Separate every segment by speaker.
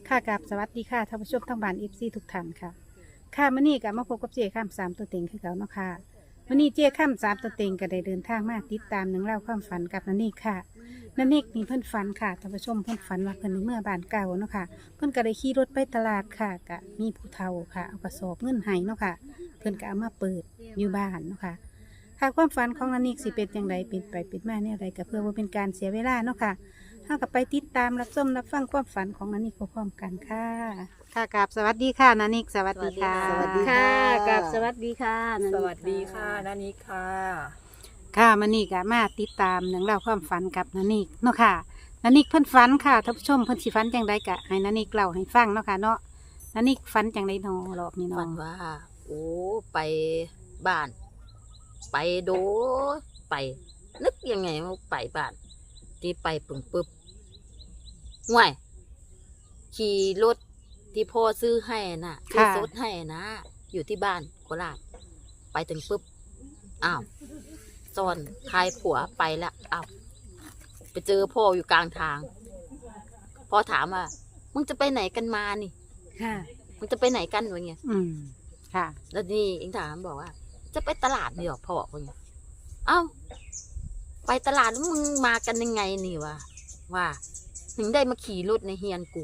Speaker 1: ค่ะกับสวัสดีค่ะท่านผู้ชมทั้งบ้านFCทุกท่านค่ะค่ะมื้อนี้ก็มาพบกับเจข้ามสามตัวเต็งคือเก่าเนาะค่ะมื้อนี้เจข้ามสามตัวเต็งก็ได้เดินทางมาติดตามหนังเล่าวความฝันกับนันนี่ค่ะนันนี่นี่เพิ่นฝันค่ะท่านผู้ชมเพิ่นฝันว่าเพิ่นในเมื่อบ้านเก่าเนาะค่ะเพิ่นก็ได้ขี่รถไปตลาดค่ะก็มีผู้เฒ่าค่ะเอากระสอบเงินให้เนาะค่ะเพิ่นก็เอามาเปิดอยู่บ้านเนาะค่ะค่ะความฝันของนันนี่สิเป็นอย่างไรเป็นไปเป็นมาเนี่ยอะไรก็เพื่อว่าเป็นการเสียเวลาเนาะค่ะ ถ้ากับไปติดตามรับชมรับฟังความฝันของนันนิกพร้อมๆกันค่ะ ค่ะกับสวัสดีค่ะนันนิกสวัสดีค่ะ
Speaker 2: สวัสดี
Speaker 3: ค่ะกับสวัสดีค่ะนัน
Speaker 2: ส
Speaker 3: นิ
Speaker 2: วัสดีค่ะนานิค่ะ
Speaker 1: ค่ะมันนี่ก็มาติดตามเรื่องราวความฝันกับนันนิกเนาะค่ะนันนิกเพิ่นฝันค่ะท่านผู้ชมเพิ่นสิฝันจังไดกะให้นันนิกเล่าให้ฟังเนาะค่ะเนาะนันนิกฝันจังไดเนาะรอบนี้เนาะ
Speaker 2: ฝันว่า โอ้ไปบ้าน ไปโดไป นึกยังไงว่าไปบ้าน ที่ไปปึ่งปึ๊บห่วยขี่รถที่พ่อซื้อให้น่ะซื้อซดให้นะ อยู่ที่บ้านโคราชไปถึงปึ๊บอ้าวซ่อนทายผัวไปแล้วอ้าวไปเจอพ่ออยู่กลางทางพ่อถามว่ามึงจะไปไหนกันมานี่
Speaker 3: ค่ะ
Speaker 2: มึงจะไปไหนกันวะเงี้ย
Speaker 1: ค่ะ
Speaker 2: แล้วนี่เองถามบอกว่า จะไปตลาดนี่หรอพ่อวะเงี้ยเอ้าไปตลาดแล้วมึงมากันยังไงนี่วะว่าถึงได้มาขี่รถในเฮียนกู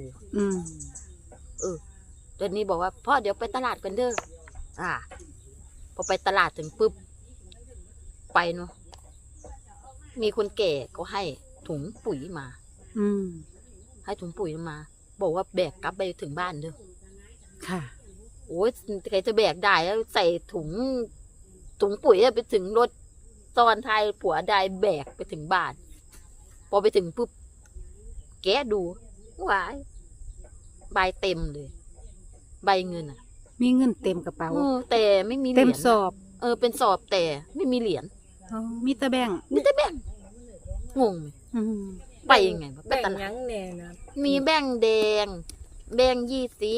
Speaker 2: เดี๋ยวนี้บอกว่าพ่อเดี๋ยวไปตลาดกันเด้อพอไปตลาดถึงปุ๊บไปเนาะมีคนแก่ก็ให้ถุงปุ๋ยมา ให้ถุงปุ๋ยมา บอกว่าแบกกลับไปถึงบ้านเด้อ
Speaker 1: ค่ะ
Speaker 2: โอ้ยใครจะแบกได้แล้วใส่ถุงปุ๋ยไปถึงรถตอนท้ายผัวได้แบกไปถึงบ้าน พอไปถึงปุ๊บแกะดูว้ายใบเต็มเลย ใบเงินอ่ะ
Speaker 1: มีเงินเต็มกระเป๋า
Speaker 2: แต่ไม่มีเหรียญ
Speaker 1: เต็มสอบ
Speaker 2: เป็นสอบแต่ไม่มีเหรียญ
Speaker 1: อ๋อมีแต่แบงค์
Speaker 2: มีแต่แบงค์งงไหมไปยังไงวะไป
Speaker 3: แบ่ง
Speaker 2: ตลา
Speaker 3: ยั
Speaker 2: ด
Speaker 3: งแน่นะ
Speaker 2: มีแบงค์แดง แบงค์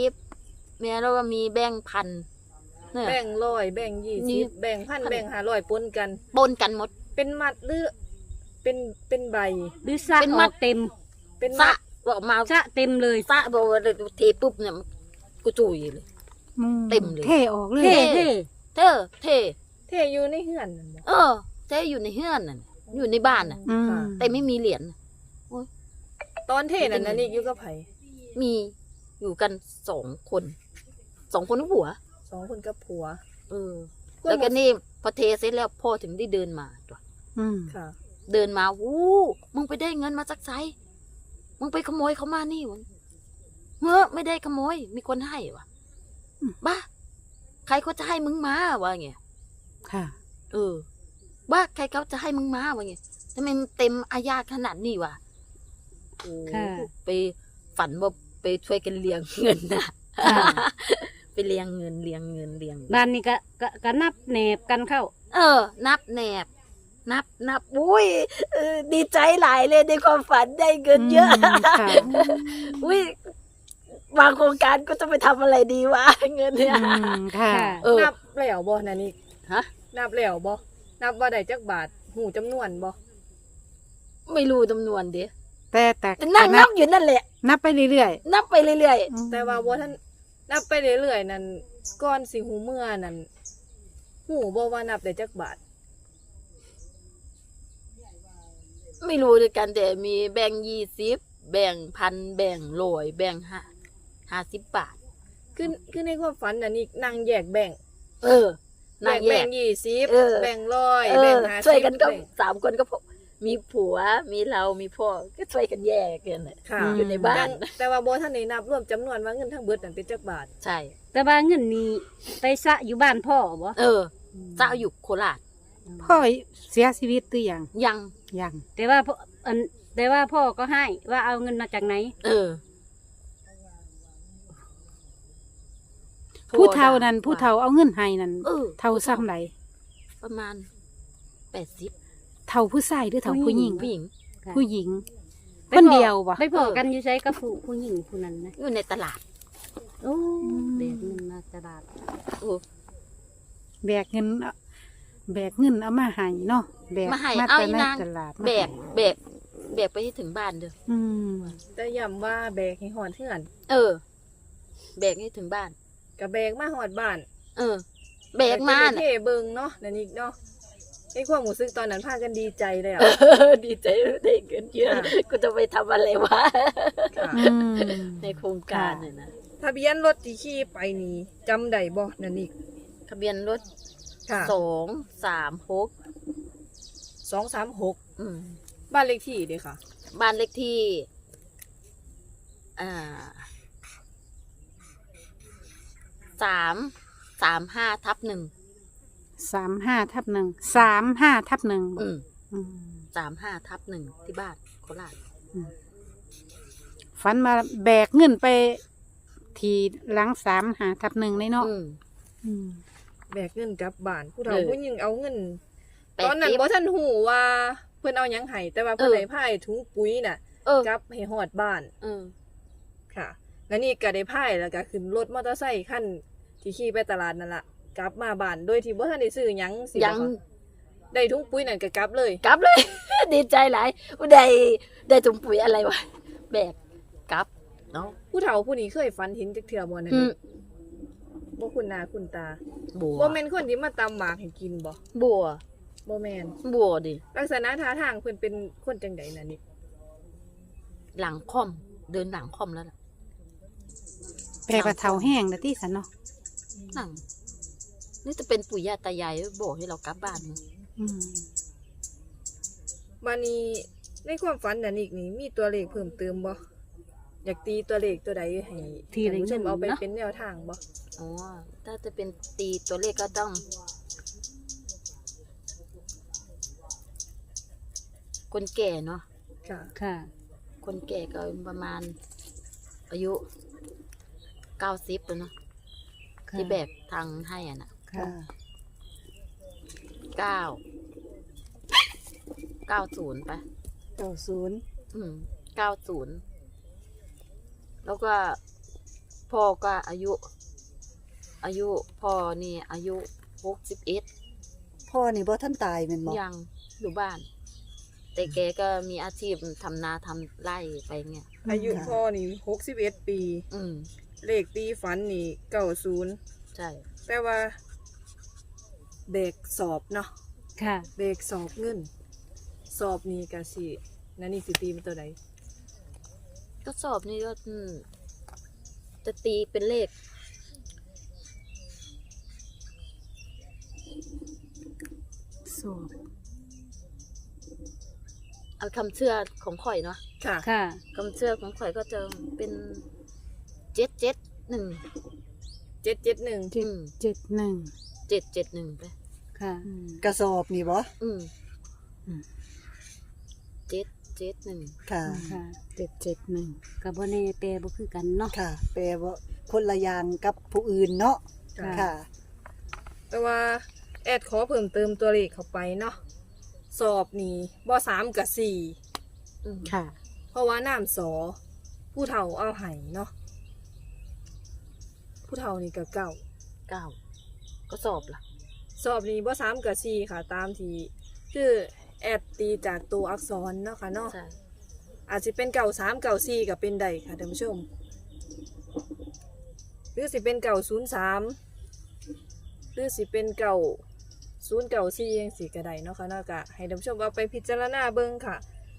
Speaker 2: 20แล้วก็มีแบงค์พันเนี่ย
Speaker 3: แบ่ง100แบ่ง
Speaker 2: นี่
Speaker 3: 20แบ่ง1,000แบ่ง500ปนกัน
Speaker 2: ปนกันหมด
Speaker 3: เป็นมัดหรือเป็นใบ
Speaker 4: หรือสระ
Speaker 2: เป็น
Speaker 4: อ
Speaker 2: มั
Speaker 4: อ
Speaker 2: ด
Speaker 4: กเต็ม
Speaker 3: เป็น
Speaker 2: สะ
Speaker 3: มัด
Speaker 2: บอกมา
Speaker 4: สระเต็มเลย
Speaker 2: สะบอกว่าเทปุ๊บเนี่ยกูจุยเลย เต็มเลย
Speaker 1: เทออกเลย
Speaker 4: เท่
Speaker 2: เท่
Speaker 4: เท่
Speaker 2: เท่
Speaker 3: เทอยู่ในเฮือนนั่นบ่
Speaker 2: เท่อยู่ในเฮือนน่ะอยู่ในบ้านน่ะ แต่ไม่มีเหรียญน่ะ
Speaker 3: ตอนเทนั่นน่ะนี่อยู่กับไผ
Speaker 2: มีอยู่กัน2 คนกับผัว
Speaker 3: 2คนกับผัว
Speaker 2: แล้วก็นี่พอเทเสร็จแล้วพ่อถึงได้เดินมาตัว
Speaker 3: ค่ะ
Speaker 2: เดินมาวู้มึงไปได้เงินมาจากไสมึงไปขโมยเขามานี่วะไม่ได้ขโมย มีคนให้วะบ้าใครเขาจะให้มึงมาวะเงี้ย
Speaker 1: ค่ะ
Speaker 2: บ้าใครเขาจะให้มึงมาวะเงี้ยทำไมมันเต็มอาญาขนาดนี้วะโอ้
Speaker 4: ค่ะ
Speaker 2: ไปฝันว่าไปช่วยกันเลี้ยงเงินนะ
Speaker 4: ค่ะ
Speaker 2: ไปเลี้ยงเงิน
Speaker 4: บ้านนี้ก็นับแหนบกันเข้า
Speaker 2: นับแหนบนับอุ้ยดีใจหลายเลยในความฝันได้เงินเยอะ
Speaker 1: ค่ะ
Speaker 2: อุ้ยบางโครงการก็จะไปทำอะไรดีวะเงินเนี่ย
Speaker 1: ค่ะ
Speaker 3: นับแล้วบ่นั่นนี่
Speaker 2: ฮะ
Speaker 3: นับแล้วบ่นับว่าได้จักบาทหูจำนวนบ่
Speaker 2: ไม่รู้จำนวนเด้
Speaker 1: แต่
Speaker 2: แต่นั่งนับอยู่นั่นแหละ
Speaker 1: นับไปเรื่อย
Speaker 2: นับไปเรื่อย
Speaker 1: ๆ
Speaker 3: แต่ว่าบ่ท่านนับไปเรื่อยๆนั่นก่อนสิหูเมื่อนั่นหูบ่ว่านับได้จักบาท
Speaker 2: ๆไม่รู้ด้วยกันแต่มีแบ่ง20แบ่ง1,000แบ่ง100แบ่ง50 บาท
Speaker 3: คือในความฝันน่ะนี่นั่งแยกแบ่ง
Speaker 2: นางแย
Speaker 3: แบ่
Speaker 2: ก
Speaker 3: ง20
Speaker 2: เออ
Speaker 3: แบ่ง100แบ่ง50
Speaker 2: ช่วยกันก็
Speaker 3: แบ่ง
Speaker 2: 3 คนก็พอมีผัวมีเรามีพ่อก็ช่วยกันแยกกันน่ะ
Speaker 3: ค่ะ
Speaker 2: อยู่ในบ้าน
Speaker 3: แต่ว่าบ่ทันได้นับรวมจำนวนว่าเงินทั้งเบิดนั่นเป็นจักบาท
Speaker 2: ใช่
Speaker 4: แต่ว่าเงินนี้ไปสระอยู่บ้านพ่อบ่
Speaker 2: เจ้าอยู่โคราช
Speaker 1: พ่อเสียชีวิตหรือยัง
Speaker 2: ยัง
Speaker 1: ยัง
Speaker 4: แต่ว่าพ่อก็ให้ว่าเอาเงินมาจากไหน
Speaker 1: ผู้เฒ่านั้นผู้เฒ่าเอาเงินให้นั่น
Speaker 2: เ
Speaker 1: เฒ่าซ้ำไหน
Speaker 2: ประมาณ80
Speaker 1: เฒ่าผู้ชายหรือเฒ่าผู้หญิง
Speaker 2: ผู้หญิง
Speaker 1: ผู้หญิง
Speaker 4: ไป
Speaker 1: คนเดียวบ่
Speaker 4: ไปพอกันอยู่ใช้กับผู้หญิงผู้นั้นนะ
Speaker 2: อยู่ในตลาด
Speaker 4: โอ้เด็กเงินมาตลาด
Speaker 1: แบกเงินเอามาให้เนาะแบก
Speaker 2: มาให้
Speaker 1: มา
Speaker 2: เอา
Speaker 1: แต่
Speaker 2: อี
Speaker 1: ใน
Speaker 2: นาง
Speaker 1: ตลาด
Speaker 2: แบกแบกไปให้ถึงบ้านเด้อ
Speaker 1: อืม
Speaker 3: แต่ย้ำว่าแบกให้หอดเทือน
Speaker 2: เออ แบกให้ถึงบ้าน
Speaker 3: กับแบกมาหอดบ้าน
Speaker 2: เออ แบกมา
Speaker 3: แต่
Speaker 2: น่ะ
Speaker 3: เท่เบิงเนาะนั่นอีกเนาะไอ้ความรู้สึกตอนนั้นพากันดีใจเลยอ่ะ
Speaker 2: ดีใจได้เงินเยอะ
Speaker 3: ค่ะ
Speaker 2: กูจะไปทำอะไรวะ
Speaker 3: ค่ะ
Speaker 1: อืม
Speaker 2: ในโครงการเนี่ยนะ
Speaker 3: ทะเบียนรถที่ขี่ไปนี่จำได้บ่นั่นอีก
Speaker 2: ทะเบียนรถ
Speaker 3: ค่ะ
Speaker 2: 236
Speaker 3: 236
Speaker 2: อืม
Speaker 3: บ้านเลขที่เด้ค่ะ
Speaker 2: บ้านเลขที่อ่า335/1
Speaker 1: 35/1 35/1
Speaker 2: อืม
Speaker 1: อืม
Speaker 2: 35/1ที่บ้านโคราช
Speaker 1: ฝันมาแบกเงินไปทีหลัง35/1เลยเนาะ
Speaker 2: อืม
Speaker 1: อืม
Speaker 3: แบกเงินกลับบ้านผู้เฒ่า
Speaker 2: เออ
Speaker 3: ผู้หญิงเอาเงิน
Speaker 2: แปด
Speaker 3: ตอนนั้น
Speaker 2: สิบ
Speaker 3: บ่ทันหูว่าเพิ่นเอาหยังให้แต่ว่าเพิ่น
Speaker 2: เออ
Speaker 3: ได้พายถุงปุ๋ยน่ะ
Speaker 2: เออก
Speaker 3: ลับให้ฮอดบ้าน
Speaker 2: เออ
Speaker 3: ค่ะ แล้วนี่ก็ได้พายแล้วก็ขึ้นรถมอเตอร์ไซค์คันที่ขี่ไปตลาดนั่นล่ะกลับมาบ้านโดยที่บ่ทันได้ซื้อหยังสิ
Speaker 2: ยัง
Speaker 3: บ่คะได้ถุงปุ๋ยนั่นก็กลับเลย
Speaker 2: กลับเลย ดีใจหลายได้ถุงปุ๋ยอะไรวะแบกกลับเนาะ
Speaker 3: ผู้เฒ่าผู้นี้เคยฝันเห็นจักเทื่อบ่นั่น
Speaker 2: อืม
Speaker 3: บ่คุณหน้าคุณตา
Speaker 2: บัว
Speaker 3: บ่แม่นคนที่มาตำหมากให้กินบ่
Speaker 2: บัว
Speaker 3: บ่แม่น
Speaker 2: บัวดิ
Speaker 3: ลักษณะท่าทางเพิ่นเป็นคนจังไดน่ะนี่
Speaker 2: หลังค่อม เดินหลังค่อมแล้วล่ะ
Speaker 1: แปลว่าเฒ่าแห้งนะที่สันเนาะ
Speaker 2: หลังนี่จะเป็นปู่ย่าตายายบอกให้เรากลับบ้านมั้ง
Speaker 1: อืม
Speaker 3: บัดนี้ในความฝันน่ะนี่มีตัวเลขเพิ่มเติมบ่อยากตีตัวเลขตัวใดให้
Speaker 4: ทีละ
Speaker 3: ท่านผู้ชม
Speaker 4: เงิน
Speaker 3: เอาไป
Speaker 4: เนาะ
Speaker 3: เป็นแนวทางบ่
Speaker 2: อ๋อถ้าจะเป็นตีตัวเลขก็ต้อง คนแก่เนาะ
Speaker 3: ค่ะ
Speaker 4: ค่ะ
Speaker 2: คนแก่ก็ประมาณ อายุ90แล้วเนาะ
Speaker 4: ค่ะ
Speaker 2: ที่แบกทางให้อ่ะนะ
Speaker 4: ค่ะ
Speaker 2: 90ไป
Speaker 3: 90
Speaker 2: อืม90แล้วก็พ่อก็อายุพ่อนี่อายุ61
Speaker 5: พ่อนี่บ่ท่านตายแม่นบ่
Speaker 2: ยังอยู่บ้าน แต่แกก็มีอาชีพทำนาทำไร่ไปเงี้ย
Speaker 3: อายุพ่อนี่61 ปี
Speaker 2: อืม
Speaker 3: เลขตีฝันนี่90
Speaker 2: ใช่
Speaker 3: แต่ว่าเบรกสอบเนาะ
Speaker 4: ค่ะ
Speaker 3: เบรกสอบเงิน สอบนี่ก็สินั่นนี่สิตีเป็นตัวใด
Speaker 2: ก็สอบนี่ก็จะตีเป็นเลข
Speaker 1: สอบ
Speaker 2: เอาคำเชื่อของข่อยเนาะ
Speaker 3: ค่ะ
Speaker 4: ค่ะ
Speaker 2: คำเชื่อของข่อยก็จะเป็น771
Speaker 3: 771
Speaker 2: อืม
Speaker 1: 71
Speaker 2: 771ไป
Speaker 4: ค่ะ
Speaker 1: อืม
Speaker 5: กระสอบนี่บ่
Speaker 2: อืม
Speaker 1: อืม
Speaker 2: 771
Speaker 5: ค่ะ
Speaker 4: ค่ะ
Speaker 1: 771
Speaker 4: กับบ่แน่แปลบ่คือกันเนาะ
Speaker 5: ค่ะ แปลว่าคนละอย่างกับผู้อื่นเนาะ
Speaker 3: ค่ะ
Speaker 5: ค่ะ
Speaker 3: แต่ว่าแอดขอเพิ่มเติมตัวเลขเข้าไปเนาะสอบนี่บ่3กับ4
Speaker 2: อืม
Speaker 1: ค่ะ
Speaker 3: เพราะว่าน้ำสอผู้เฒ่าเอาไห้เนาะผู้เฒ่านี่ก็เก่า
Speaker 2: 9ก็สอบล่ะ
Speaker 3: สอบนี่บ่3กับ4ค่ะ ตามที่คือแอดตีจากตัวอักษรเนาะค่ะเนาะ
Speaker 2: ใช่
Speaker 3: อาจจะเป็นเก่า3เก่า4ก็เป็นได้ค่ะท่านผู้ชมหรือสิเป็นเก่า03หรือสิเป็นเก่า0เก่า4จังซี่ก็ได้เนาะค่ะเนาะก็ให้ท่านผู้ชมเอาไปพิจารณาเบิ่งค่ะ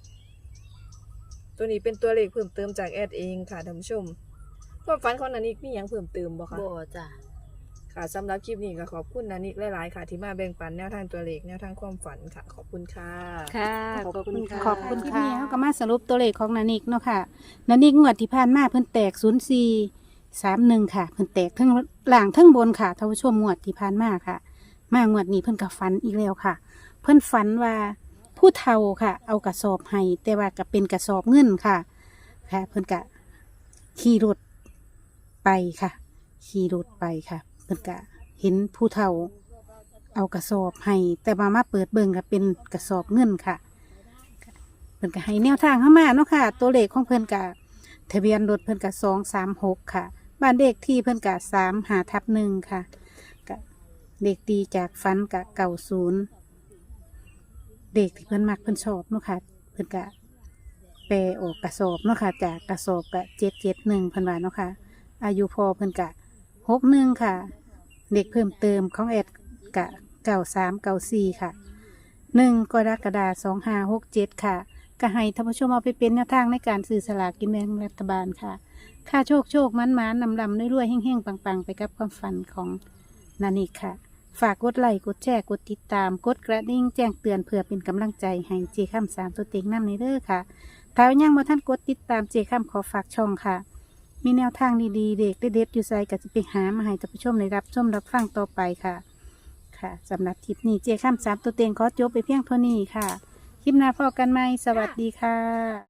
Speaker 3: ตัวนี้เป็นตัวเลขเพิ่มเติมจากแอดเองค่ะท่านผู้ชมความฝันของนันนิกมีหยังเพิ่มเติมบ่คะ
Speaker 2: บ่จ้ะ
Speaker 3: ค่ะสำหรับคลิปนี้ก็ขอบคุณนันนิกหลายๆค่ะ ที่มาแบ่งปันแนวทางตัวเลขแนวทางความฝันค่ะ ขอบคุณค่ะ
Speaker 4: ค่ะ
Speaker 5: ขอบคุณค่ะ
Speaker 1: ขอบคุณค่ะเขาก็มาสรุปตัวเลขของนานิกเนาะค่ะนานิกงวดที่ผ่านมาเพิ่นแตก0431ค่ะ เพิ่นแตกทั้งล่างทั้งบนค่ะท่านผู้ชมงวดที่ผ่านมาค่ะ มางวดนี้เพิ่นก็ฝันอีกแล้วค่ะ เพิ่นฝันว่าผู้เฒ่าค่ะ เอากระสอบให้แต่ว่าก็เป็นกระสอบเงินค่ะ ค่ะ เพิ่นก็ขี่รถไปค่ะ ขี่รถไปค่ะ เพิ่นก็เห็นผู้เฒ่า เอากระสอบให้แต่มาเปิดเบิ่งก็เป็นกระสอบเงินค่ะ เพิ่นก็ให้แนวทางเข้ามาเนาะค่ะ ตัวเลขของเพิ่นก็ทะเบียนรถเพิ่นก็236ค่ะ บ้านเลขที่เพิ่นก็35/1ค่ะก็เลขตีจากฟันก็90เด็กที่เพิ่นมักเพิ่นชอบเนาะค่ะ เพิ่นก็แปลออกกระสอบเนาะค่ะจากกระสอบกะ771พันบาทเนาะค่ะอายุพอเพิ่นกะ61ค่ะเด็กเพิ่มเติมของแอดกะ9394ค่ะ1กรกฎาคม2567ค่ะก็ให้ท่านผู้ชมเอาไปเป็นแนวทางในการซื้อสลากกินแบ่งรัฐบาลค่ะค่าโชคมันนำรวยๆแห้งๆปังๆไปกับความฝันของนานิค่ะฝากกดไลค์กดแชร์กดติดตามกดกระดิ่งแจ้งเตือนเพื่อเป็นกำลังใจให้เจค่ำ3ตัวเต็งนำในเด้อค่ะถ้ายังบ่ท่านกดติดตามเจค่ำขอฝากช่องค่ะมีแนวทางดีๆเด็กเด็ดๆอยู่ไสก็จะไปหามาให้ท่านผู้ชมได้รับชมรับฟังต่อไปค่ะค่ะสำหรับคลิปนี้เจค่ำ3ตัวเต็งขอจบไปเพียงเท่านี้ค่ะคลิปหน้าพบกันใหม่สวัสดีค่ะ